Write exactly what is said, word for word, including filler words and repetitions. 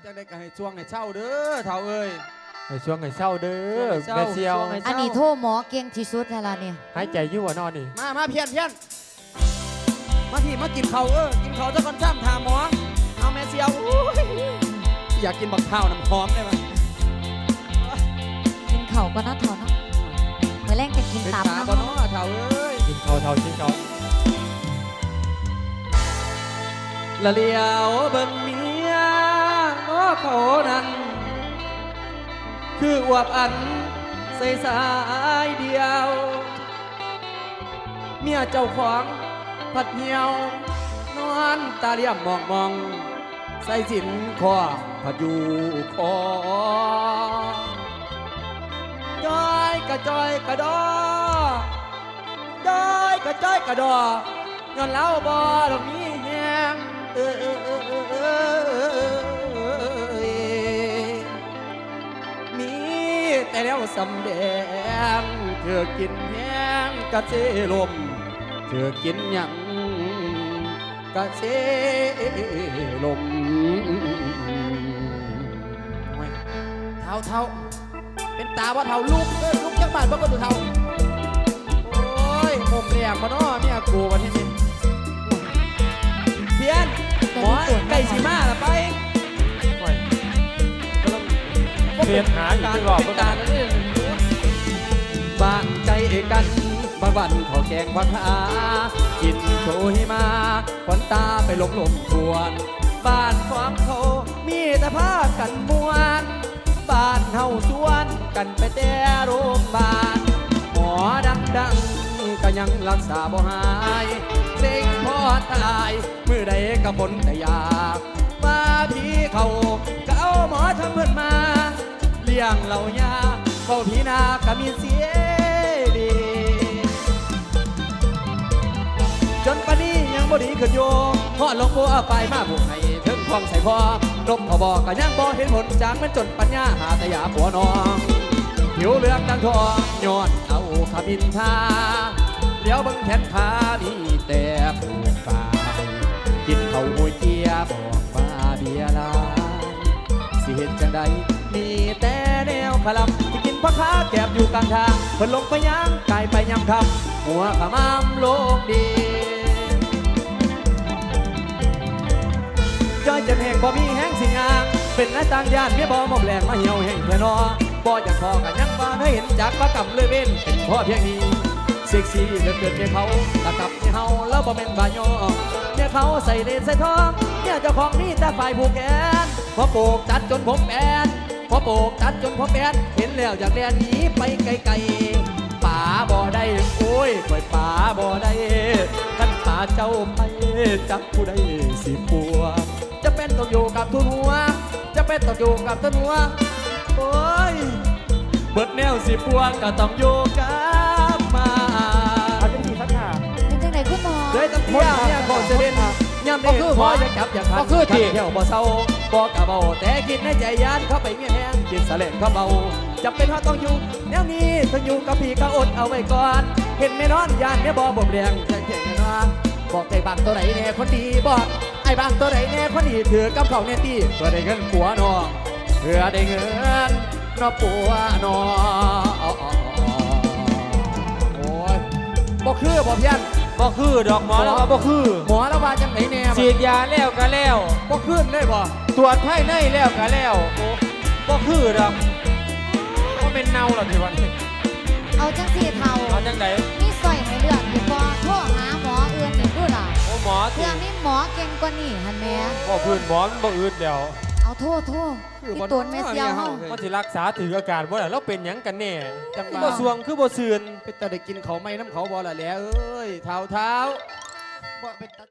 จังได้ก็ให้ช่วงให้เช่าเด้อเท่าเอ้ยให้ช่วงให้เศร้าเด้อแม่เซียวอันนี้โทรหมอเก่งที่สุดแล้วล่ะเนี่ยหายใจอยู่ว่านอนนี่มามาเพี้ยนเพี้ยนมาพี่มากินเขาเออกินเขาจะก่อนซ้ำถามหมอเอาแม่เซียวอยากกินบักเท้าน้ำหอมได้ไหมกินเข่าก็น่าทอนเนาะเมื่อแรกจะกินตับนะบ่เนาะเท่าเอ้ยกินเขาเท่ากินเขาละเลียวเบิ่งเมียง้อเขานั้นคืออวบอันใส่สายเดียวเมียเจ้าของผัดเหี่ยวนอนตาเลี่ยมมองมองใส่สินคอผัดอยู่คอจอยกระจอยกระดอจอยกระจอยกระดอย้อนเล่าบ่ดอกนี้แหงเออเออเออเออเออมีแต่แล้วสำแดงเธอกินแห้งกะเจลมเธอกินหยังกะเจลมเท่าเท่าเป็นตาว่าเท่าลูกเออลูกจังบ้านบ่ก็ตัวเท่าโอ้ยผมเรียกมาเนาะเมียกูวันที่นี่เพี้ยนหมอไก่สีมาละไปเรียนหาอยู่ที่รอบตาบ้านใจกันบางวันขอแกงผักขากินโชยมาขวัญตาไปหลงหลงทวนบ้านของเขามีแต่ผ้ากันมวนบ้านเฮาชวนกันไปแต่โรงพยาบาลหมอดังๆก็ยังรักษาบ่หายเซ็งพอตายมือใดก็บนแต่อยากมาพี่เขาก็เอาหมอทำเพื่อนมาเลี้ยงเหล่ายาเฝ้าพี่นาก็มีเสียดีจนปานนี้ยังบ่ดีขึ้นโยพ่อหลวงปู่เอาไปมาบุกให้ถึงความใส่พอลบพอบอกก็ยังบ่เห็นผลจากมันจนปัญญาหาแต่ยาผัวน้องผิวเหลืองดังทองย้อนเอาขมินทาเลี้ยวบังแขนขามีแต่ผูกปายกินเขาหัวเกียบอกว่าเบียร์ลายสิเห็นจังใดมีแต่แนวขลับที่กินพักขาแก็บอยู่กลางทางเพิ่นลงไปย่างกายไปยำคำหัวขมามโลกดีจอยจะแห่งบ่มีแห้งสิงางเป็นหน้าต่างยานเมียบ่มอมแรงมาเหี่ยวแห่งเพื่อนอบ่อยากพอกันยังบ่ได้เห็นจากประกำเลยเว้นเป็นพ่อเพียงนี้เซ็กซี่เกินเกินเมียเขาตะกับเมียเฮาแล้วบ่เป็นบายอเมียเขาใส่เลนใส่ทองเมียเจ้าของนี่แต่ฝ่ายผูกแขนพอโปกจัดจนผมแปนพอโปกจัดจนผมแปนเห็นแล้วอยากแล่นหนีไปไกลๆป่าบ่ได้โอ้ยปล่อยป่าบ่ได้ท่านป่าเจ้าไปจักผู้ใดสิปัวจะเป็นต้องอยู่กับทุนหัวจะเป็นต้องอยู่กับทุนหัวโอ้ยเบิดแนวสิปัวก็ต้องอยู่กับมาเอาจังสีสักหาเป็นจังไหนคุณหมอเลยตั้งเที่ยเนี่ยก่อนจะเด่นยามเด็กพอจะจับอยากขัดขัดเที่ยวบ่เศร้าบ่กะเบาแต่คิดในใจยานเข้าไปเมียแห้งกินสะเล่นเข้าเบาจะเป็นเขาต้องอยู่แนวนี้ต้องอยู่กับพี่ก็อดเอาไว้ก่อนเห็นไม่นอนยานเนี่ยบ่บ่แรงจะเก่งนะบอกไอ้บางตัวไหนแน่คนดีบอกไอ้บางตัวไหนแน่คนดีถือกับเขาเนี่ยตีเพื่อได้เงินปัวน้องเพื่อได้เงินน้องปัวน้องโอ้ยบ่คือบ่เพี้ยนบ่คือดอกหมอแล้วบ่คือหมอแล้วว่าจังไหนแน่ฉีดยาแล้วก็แล้วบ่ขึ้นได้บ่ตรวจภายในแล้วก็แล้วบ่คือดอกบ่เป็นเน่าหรอกที่วันนี้เอาจังสีเทาเอาจังไหนมีสอยให้เลือกอยู่บ่โทรหาหมอเอื่นนี่พูดล่ะโอ้หมอเพื่อมีหมอเก่งกว่านี่หั่นแม่บ่พื้นหมอมันบ่อืดเดียวเอาโทษโทษที่ตัวแม่เสียวเฮามันสิรักษาถืออาการบ่ล่ะเราเป็นหยังกันแน่บ่สวงคือบ่ซื่นเป็นตาได้กินเขาไม่น้ำเขาบ่ล่ะแหละเอ้ยเท้าเท้าบ่เป็น